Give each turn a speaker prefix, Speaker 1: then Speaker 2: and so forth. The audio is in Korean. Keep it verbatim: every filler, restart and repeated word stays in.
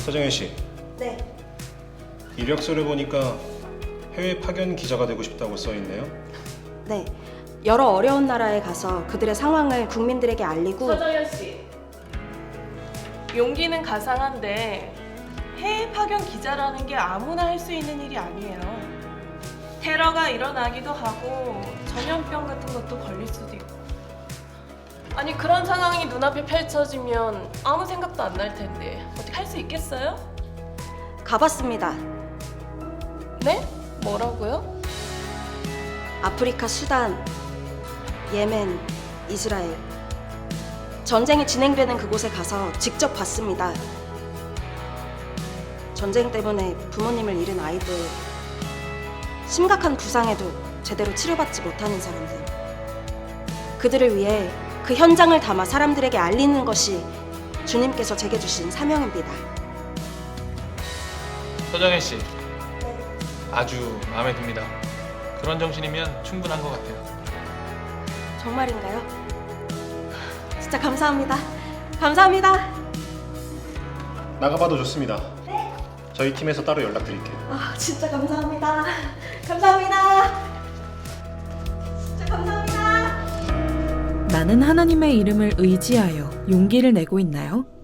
Speaker 1: 서정현 씨,
Speaker 2: 네.
Speaker 1: 이력서를 보니까 해외 파견 기자가 되고 싶다고 써 있네요.
Speaker 2: 네. 여러 어려운 나라에 가서 그들의 상황을 국민들에게 알리고.
Speaker 3: 서정현 씨, 용기는 가상한데 해외 파견 기자라는 게 아무나 할 수 있는 일이 아니에요. 테러가 일어나기도 하고 전염병 같은 것도 걸릴 수도 있고. 아니 그런 상황이 눈앞에 펼쳐지면 아무 생각도 안 날 텐데 어떻게 할 수 있겠어요?
Speaker 2: 가봤습니다.
Speaker 3: 네? 뭐라고요?
Speaker 2: 아프리카 수단, 예멘, 이스라엘. 전쟁이 진행되는 그곳에 가서 직접 봤습니다. 전쟁 때문에 부모님을 잃은 아이들, 심각한 부상에도 제대로 치료받지 못하는 사람들. 그들을 위해 그 현장을 담아 사람들에게 알리는 것이 주님께서 제게 주신 사명입니다.
Speaker 4: 서정현 씨, 아주 마음에 듭니다. 그런 정신이면 충분한 것 같아요.
Speaker 2: 정말인가요? 진짜 감사합니다. 감사합니다.
Speaker 1: 나가봐도 좋습니다. 저희 팀에서 따로 연락드릴게요.
Speaker 2: 아, 진짜 감사합니다. 감사합니다. 진짜 감사합니다.
Speaker 5: 나는 하나님의 이름을 의지하여 용기를 내고 있나요?